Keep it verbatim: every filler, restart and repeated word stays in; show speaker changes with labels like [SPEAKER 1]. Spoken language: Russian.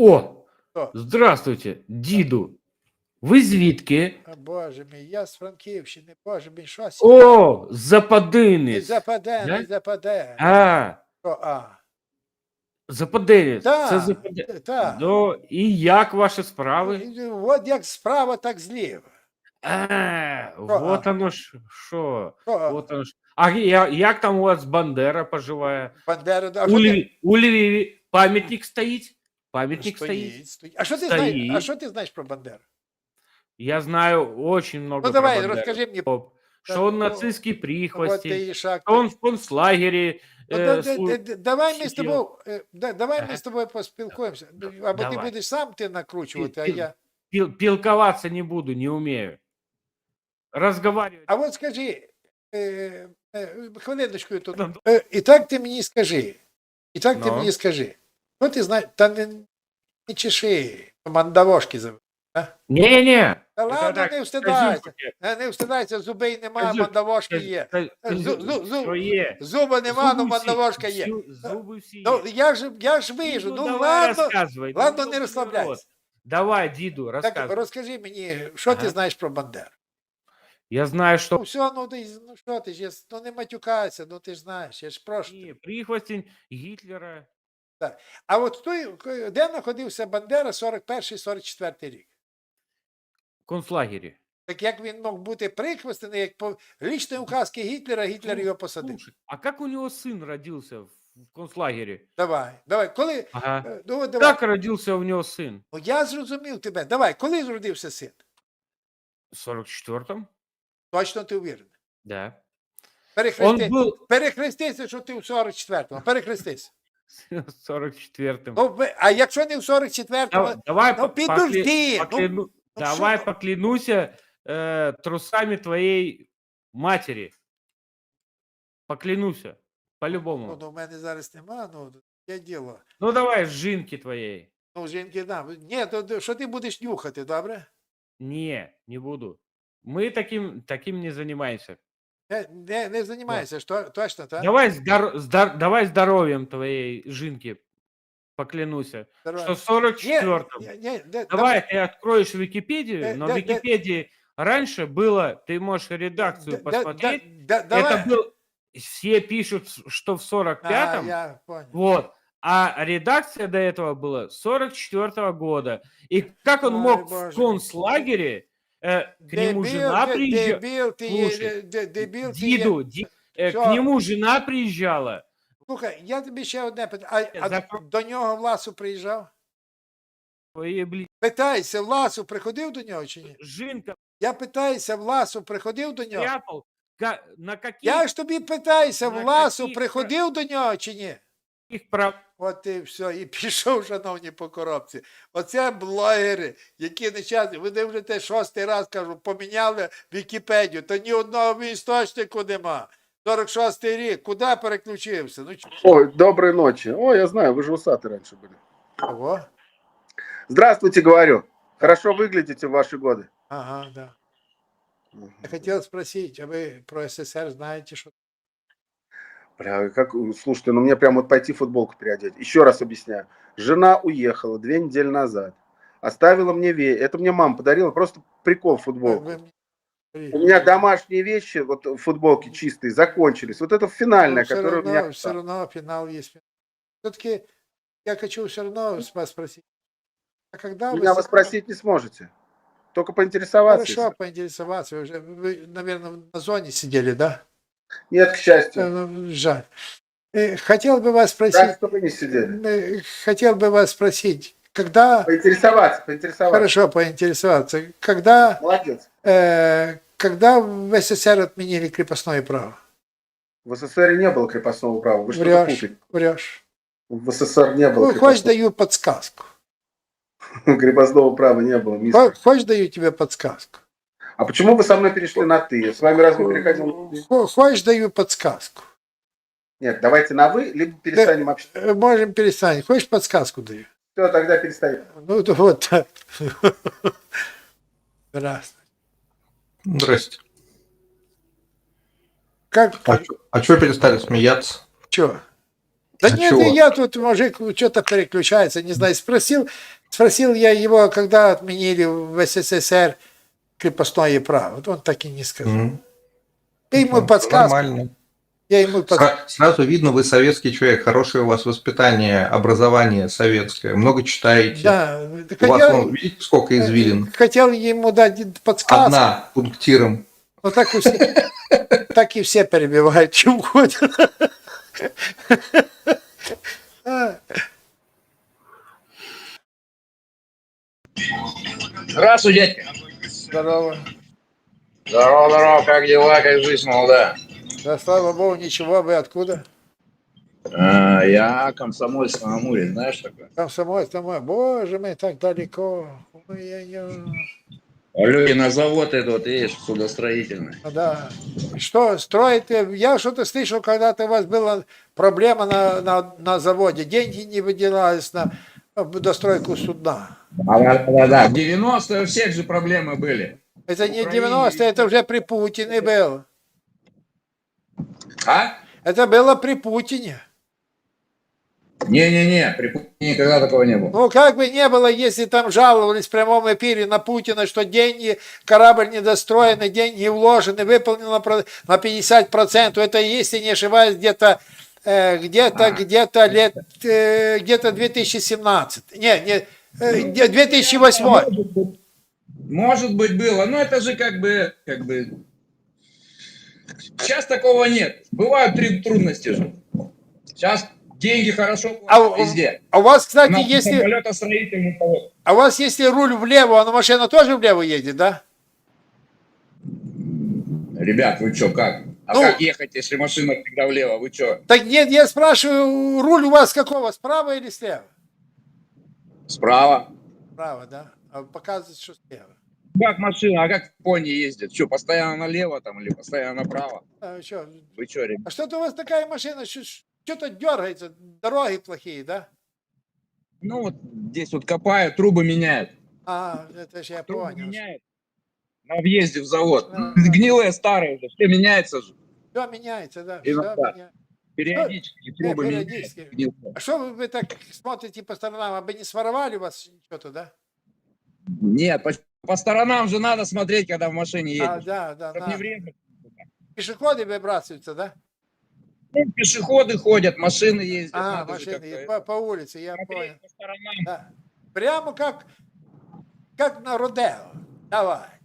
[SPEAKER 1] О,
[SPEAKER 2] Хто?
[SPEAKER 1] здравствуйте, діду. Ви звідки?
[SPEAKER 2] А, Боже мій, я з Франківщини, Боже мій, що сі?
[SPEAKER 1] О,
[SPEAKER 2] Не
[SPEAKER 1] западинець.
[SPEAKER 2] западе,
[SPEAKER 1] Да?
[SPEAKER 2] не западе.
[SPEAKER 1] А,
[SPEAKER 2] Що, а?
[SPEAKER 1] западинець. Це
[SPEAKER 2] Так,
[SPEAKER 1] западе...
[SPEAKER 2] так.
[SPEAKER 1] До... І як ваші справи?
[SPEAKER 2] От як справа, так зліва.
[SPEAKER 1] А, вот
[SPEAKER 2] а?
[SPEAKER 1] оно ж що.
[SPEAKER 2] Що, а?
[SPEAKER 1] Вот оно ж. А я- як там у вас Бандера поживає?
[SPEAKER 2] Бандера, а
[SPEAKER 1] У
[SPEAKER 2] що ти?
[SPEAKER 1] Льві... у Львові пам'ятник стоїть? Пам'ятник стоїть?
[SPEAKER 2] Стоїть, стоїть. А що ти знаєш, а
[SPEAKER 1] Стоїть.
[SPEAKER 2] що ти знаєш про Бандеру?
[SPEAKER 1] Я знаю очень много
[SPEAKER 2] Ну
[SPEAKER 1] про
[SPEAKER 2] давай,
[SPEAKER 1] Бандеру.
[SPEAKER 2] розкажи мені.
[SPEAKER 1] Что он
[SPEAKER 2] Ну,
[SPEAKER 1] нацистский
[SPEAKER 2] От
[SPEAKER 1] прихвостень,
[SPEAKER 2] ти і шаг.
[SPEAKER 1] что он в концлагере.
[SPEAKER 2] Ну,
[SPEAKER 1] э,
[SPEAKER 2] да- да-
[SPEAKER 1] слу-
[SPEAKER 2] да- да- Давай ми з
[SPEAKER 1] сидів.
[SPEAKER 2] тобою, е, да- давай
[SPEAKER 1] Ага.
[SPEAKER 2] ми з тобою поспілкуємося. Або ти
[SPEAKER 1] Давай.
[SPEAKER 2] будеш сам ти накручувати, а
[SPEAKER 1] Пі-
[SPEAKER 2] я.
[SPEAKER 1] Пил- Пилковаться не буду, не умею. Разговаривать.
[SPEAKER 2] А от скажи, е, е, хвилиночку тут.
[SPEAKER 1] Ну,
[SPEAKER 2] Е, і так ти мені скажи. І так ти
[SPEAKER 1] Ну.
[SPEAKER 2] мені скажи. Що ти знаєш? Та не, не чеши, мандавошки зови.
[SPEAKER 1] Не-не.
[SPEAKER 2] Та
[SPEAKER 1] Это
[SPEAKER 2] ладно,
[SPEAKER 1] так,
[SPEAKER 2] не встидайся.
[SPEAKER 1] козюльки.
[SPEAKER 2] Е, Не встидайся, зубей нема,
[SPEAKER 1] Козю-
[SPEAKER 2] мандавошки
[SPEAKER 1] Коз-
[SPEAKER 2] є.
[SPEAKER 1] коз-
[SPEAKER 2] Зу- зу- зу-
[SPEAKER 1] Що є?
[SPEAKER 2] Зуба нема, ну
[SPEAKER 1] Зуби всі-
[SPEAKER 2] мандавошка є.
[SPEAKER 1] всю- Зуби всі
[SPEAKER 2] Ну,
[SPEAKER 1] є.
[SPEAKER 2] я ж, я ж вижу.
[SPEAKER 1] Діду,
[SPEAKER 2] Ну,
[SPEAKER 1] давай
[SPEAKER 2] ладно,
[SPEAKER 1] розказуй. Ну,
[SPEAKER 2] ладно,
[SPEAKER 1] ну,
[SPEAKER 2] не
[SPEAKER 1] ну,
[SPEAKER 2] розслабляйся.
[SPEAKER 1] народ. Давай, діду,
[SPEAKER 2] Так,
[SPEAKER 1] розказуй.
[SPEAKER 2] розкажи мені, що ти
[SPEAKER 1] Ага.
[SPEAKER 2] знаєш про Бандеру?
[SPEAKER 1] Я знаю, что...
[SPEAKER 2] Ну, все, ну, ти, ну що ти ж, я- ну не матюкайся, ну ти ж знаєш, я ж прошу.
[SPEAKER 1] Не, прихвостень Гитлера.
[SPEAKER 2] А от той, де знаходився Бандера сорок перший сорок четвертий рік?
[SPEAKER 1] В концлагере.
[SPEAKER 2] Так як він мог бути прихвостений, як по лічної указки Гітлера, Гітлер його посадив.
[SPEAKER 1] Слушай, а как у него сын родился в в концлагере?
[SPEAKER 2] Давай, давай, коли,
[SPEAKER 1] Ага.
[SPEAKER 2] е, ну, от давай.
[SPEAKER 1] Как родился у него сын?
[SPEAKER 2] Ну, я зрозумів тебе, давай, коли зродився син?
[SPEAKER 1] В сорок четвертом?
[SPEAKER 2] Точно ти уверений?
[SPEAKER 1] Да. Он
[SPEAKER 2] Перехрести,
[SPEAKER 1] был
[SPEAKER 2] перехрестися, що ти в сорок четвертому, перехрестися.
[SPEAKER 1] в сорок четвертом.
[SPEAKER 2] Ну, ви- а якщо не в сорок четвертому,
[SPEAKER 1] Дав- Давай,
[SPEAKER 2] ну
[SPEAKER 1] по-
[SPEAKER 2] підожди,
[SPEAKER 1] покля-
[SPEAKER 2] ну,
[SPEAKER 1] покляну-
[SPEAKER 2] ну
[SPEAKER 1] давай
[SPEAKER 2] що?
[SPEAKER 1] поклянуся э, трусами твоей матери. Поклянуся.
[SPEAKER 2] Ну,
[SPEAKER 1] По-любому.
[SPEAKER 2] ну, в мене зараз нема, ну, є діло.
[SPEAKER 1] Ну давай, жинки твоей.
[SPEAKER 2] Ну, жінки, да. Ні, то, то що ти будеш нюхати, добре?
[SPEAKER 1] Не, не буду. Мы таким, таким не занимаемся.
[SPEAKER 2] Не, не, не займайся, що, точно, так?
[SPEAKER 1] Давай, здор- здор- давай здоровьем твоей жинки поклянуся.
[SPEAKER 2] Давай.
[SPEAKER 1] Что в сорок
[SPEAKER 2] Ні,
[SPEAKER 1] четвертом.
[SPEAKER 2] ні, ні, де-
[SPEAKER 1] Давай ты откроешь Википедию,
[SPEAKER 2] Э,
[SPEAKER 1] но
[SPEAKER 2] да-
[SPEAKER 1] в
[SPEAKER 2] да-
[SPEAKER 1] Википедии раньше было, ты можешь редакцию
[SPEAKER 2] да- да-
[SPEAKER 1] посмотреть,
[SPEAKER 2] да- давай.
[SPEAKER 1] это был, все пишут, что в сорок
[SPEAKER 2] А,
[SPEAKER 1] пятом,
[SPEAKER 2] я понял.
[SPEAKER 1] вот, а редакция до этого была сорок четвертого года. И как он
[SPEAKER 2] Ой,
[SPEAKER 1] мог в
[SPEAKER 2] боже.
[SPEAKER 1] концлагере, э, к нему
[SPEAKER 2] Дебіл,
[SPEAKER 1] жена
[SPEAKER 2] ти-
[SPEAKER 1] приезжала,
[SPEAKER 2] дебіл, ти є,
[SPEAKER 1] Слушай,
[SPEAKER 2] де- дебіл, ти є.
[SPEAKER 1] Диду, ди- э,
[SPEAKER 2] Всё.
[SPEAKER 1] к нему жена приезжала.
[SPEAKER 2] Слухай, я тобі ще одне питаю. А, а
[SPEAKER 1] Запро-
[SPEAKER 2] до нього Власу приїжджав?
[SPEAKER 1] Твои, блин,
[SPEAKER 2] Питайся, Власу приходив до нього чи ні?
[SPEAKER 1] жинка
[SPEAKER 2] Я питаюся, Власу приходив до нього?
[SPEAKER 1] прятал. Ка- На каких,
[SPEAKER 2] Я ж тобі питаюся,
[SPEAKER 1] На
[SPEAKER 2] Власу
[SPEAKER 1] каких
[SPEAKER 2] приходив до нього чи ні?
[SPEAKER 1] прав...
[SPEAKER 2] От і все, і пішов, шановні, по коробці. Оце блогери, які нещасні. Ви дивите шостий раз, кажу, поміняли Вікіпедію, то ні одного істочнику нема. сорок шостий рік, куди переключився? Ну
[SPEAKER 3] Ой, доброй ночи. Ой, я знаю, вы же усаты раньше были.
[SPEAKER 2] чого?
[SPEAKER 3] Здравствуйте, говорю. Хорошо выглядите в ваши годы.
[SPEAKER 2] Ага, да. Я хотел спросить, а вы про СССР знаете, что?
[SPEAKER 3] Бля, как, слушайте, ну мне прям вот пойти футболку переодеть. Еще раз объясняю. Жена уехала две недели назад. Оставила мне вещи. Это мне мама подарила. Просто прикол
[SPEAKER 2] Вы-
[SPEAKER 3] футболку.
[SPEAKER 2] вы мне
[SPEAKER 3] У меня домашние вещи, вот футболки чистые, закончились. Вот это финальная,
[SPEAKER 2] все
[SPEAKER 3] которая у
[SPEAKER 2] равно,
[SPEAKER 3] меня...
[SPEAKER 2] все равно финал есть. Все-таки я хочу все равно вас спросить. А когда
[SPEAKER 3] Меня вы
[SPEAKER 2] с-
[SPEAKER 3] спросить не сможете. Только поинтересоваться.
[SPEAKER 2] Хорошо,
[SPEAKER 3] если-
[SPEAKER 2] поинтересоваться. Вы, уже, вы, наверное, на зоне сидели, да?
[SPEAKER 3] Нет, к счастью.
[SPEAKER 2] Э, ну, Жаль. Э, Хотел бы вас
[SPEAKER 3] Так,
[SPEAKER 2] спросить,
[SPEAKER 3] что вы не сидели.
[SPEAKER 2] э, хотел бы вас спросить, когда,
[SPEAKER 3] Поинтересоваться, поинтересоваться.
[SPEAKER 2] хорошо поинтересоваться, когда,
[SPEAKER 3] Молодец.
[SPEAKER 2] э, когда в СССР отменили крепостное право?
[SPEAKER 3] В СССР не было крепостного права. Вы что-то
[SPEAKER 2] Врешь,
[SPEAKER 3] путаете.
[SPEAKER 2] врешь.
[SPEAKER 3] В СССР не было
[SPEAKER 2] Ну, хочешь,
[SPEAKER 3] крепостного,
[SPEAKER 2] даю подсказку.
[SPEAKER 3] крепостного права. Не было. мистер.
[SPEAKER 2] Хо- Хочешь, даю тебе подсказку.
[SPEAKER 3] А почему вы со мной перешли на «ты»? С вами разве переходил на «ты»?
[SPEAKER 2] Хо- Хочешь, даю подсказку.
[SPEAKER 3] Нет, давайте на «вы», либо перестанем общаться.
[SPEAKER 2] Э, Можем перестать. Хочешь, подсказку даю?
[SPEAKER 3] Все, тогда перестанем.
[SPEAKER 2] Ну, то вот так. Здравствуй.
[SPEAKER 4] Здрасте.
[SPEAKER 2] Как,
[SPEAKER 4] А, чё- а чё перестали смеяться?
[SPEAKER 2] что? Да
[SPEAKER 4] А
[SPEAKER 2] нет,
[SPEAKER 4] чего?
[SPEAKER 2] и я тут, мужик, что-то переключается, не знаю, спросил, спросил я его, когда отменили в СССР крепостное право. Вот он так и не сказал.
[SPEAKER 4] М,
[SPEAKER 2] Я ему
[SPEAKER 4] ну,
[SPEAKER 2] подсказку,
[SPEAKER 4] Нормально.
[SPEAKER 2] я ему под...
[SPEAKER 4] Сра- Сразу видно, вы советский человек, хорошее у вас воспитание, образование советское, много читаете.
[SPEAKER 2] Да,
[SPEAKER 4] У вас,
[SPEAKER 2] хотел,
[SPEAKER 4] вон, видите, сколько извилин?
[SPEAKER 2] хотел ему дать подсказку.
[SPEAKER 4] Одна пунктиром.
[SPEAKER 2] Ну так, у все, так и все перебивают, чем угодно. А,
[SPEAKER 5] Здравствуй, дядька.
[SPEAKER 2] Здорово.
[SPEAKER 5] Здорово, здорово, как дела, как жизнь молода?
[SPEAKER 2] Да, слава богу, ничего, вы откуда?
[SPEAKER 5] А, я Комсомольск на Амуре, знаешь такое?
[SPEAKER 2] Комсомольск, домой. Боже мой, так далеко. Ой-ой-ой.
[SPEAKER 5] Люди на завод идут, видишь, судостроительный.
[SPEAKER 2] Ну да. Что строите? Я что-то слышал, когда-то у вас была проблема на, на, на заводе. Деньги не выделялись на достройку судна.
[SPEAKER 5] А, да, да, да. В девяностые у всех же проблемы были.
[SPEAKER 2] Это не
[SPEAKER 5] Украине
[SPEAKER 2] девяностые,
[SPEAKER 5] ведь-
[SPEAKER 2] это уже при Путине было.
[SPEAKER 5] А?
[SPEAKER 2] Это было при Путине.
[SPEAKER 5] Не-не-не, при Путине никогда такого не было.
[SPEAKER 2] Ну, как бы не было, если там жаловались в прямом эфире на Путина, что деньги, корабль недостроенный, деньги вложены, выполнено про- на пятьдесят процентов. Это, если не ошибаюсь, где-то э, где-то,
[SPEAKER 5] А.
[SPEAKER 2] где-то лет, э, где-то две тысячи семнадцатый. Не, не, э, где- две тысячи восьмой.
[SPEAKER 5] Может быть, может быть, было, но это же как бы, как бы... Сейчас такого нет. Бывают три трудности же. Сейчас деньги хорошо
[SPEAKER 2] А,
[SPEAKER 5] платят
[SPEAKER 2] у-
[SPEAKER 5] везде.
[SPEAKER 2] а у вас, кстати,
[SPEAKER 5] На
[SPEAKER 2] если,
[SPEAKER 5] самолетостроительный завод.
[SPEAKER 2] а у вас, если руль влево, а машина тоже влево едет, да?
[SPEAKER 5] Ребят, вы что, как? А
[SPEAKER 2] Ну-
[SPEAKER 5] как ехать, если машина всегда влево? Вы что,
[SPEAKER 2] Так нет, я спрашиваю, руль у вас какого, справа или слева?
[SPEAKER 5] справа?
[SPEAKER 2] Справа, да? А показывает, что слева.
[SPEAKER 5] Как машина, а как пони ездит? Что, постоянно налево там или постоянно направо?
[SPEAKER 2] А, что,
[SPEAKER 5] Вы что, ребят?
[SPEAKER 2] а что-то у вас такая машина, что- что-то дергается, дороги плохие, да?
[SPEAKER 5] Ну вот здесь вот копают, трубы меняют.
[SPEAKER 2] А, это же я
[SPEAKER 5] Трубы
[SPEAKER 2] понял.
[SPEAKER 5] меняют на въезде в завод.
[SPEAKER 2] Да, да.
[SPEAKER 5] Гнилые, старые уже, все меняется же.
[SPEAKER 2] Все меняется, да, все
[SPEAKER 5] Иногда.
[SPEAKER 2] меняется.
[SPEAKER 5] Периодически трубы меняют.
[SPEAKER 2] периодически.
[SPEAKER 5] Гнилые.
[SPEAKER 2] А что вы, вы так смотрите по сторонам, а бы не своровали у вас что-то, да?
[SPEAKER 5] Нет, по, по сторонам же надо смотреть, когда в машине
[SPEAKER 2] А,
[SPEAKER 5] едешь.
[SPEAKER 2] да, да,
[SPEAKER 5] Чтоб
[SPEAKER 2] да.
[SPEAKER 5] не врезать.
[SPEAKER 2] Пешеходы выбрасываются, да?
[SPEAKER 5] Ну, пешеходы ходят, машины ездят.
[SPEAKER 2] А,
[SPEAKER 5] надо же
[SPEAKER 2] машины,
[SPEAKER 5] как-то
[SPEAKER 2] по, по улице, я
[SPEAKER 5] смотреть
[SPEAKER 2] понял.
[SPEAKER 5] по сторонам.
[SPEAKER 2] Да. Прямо как, как на Родео. Давай.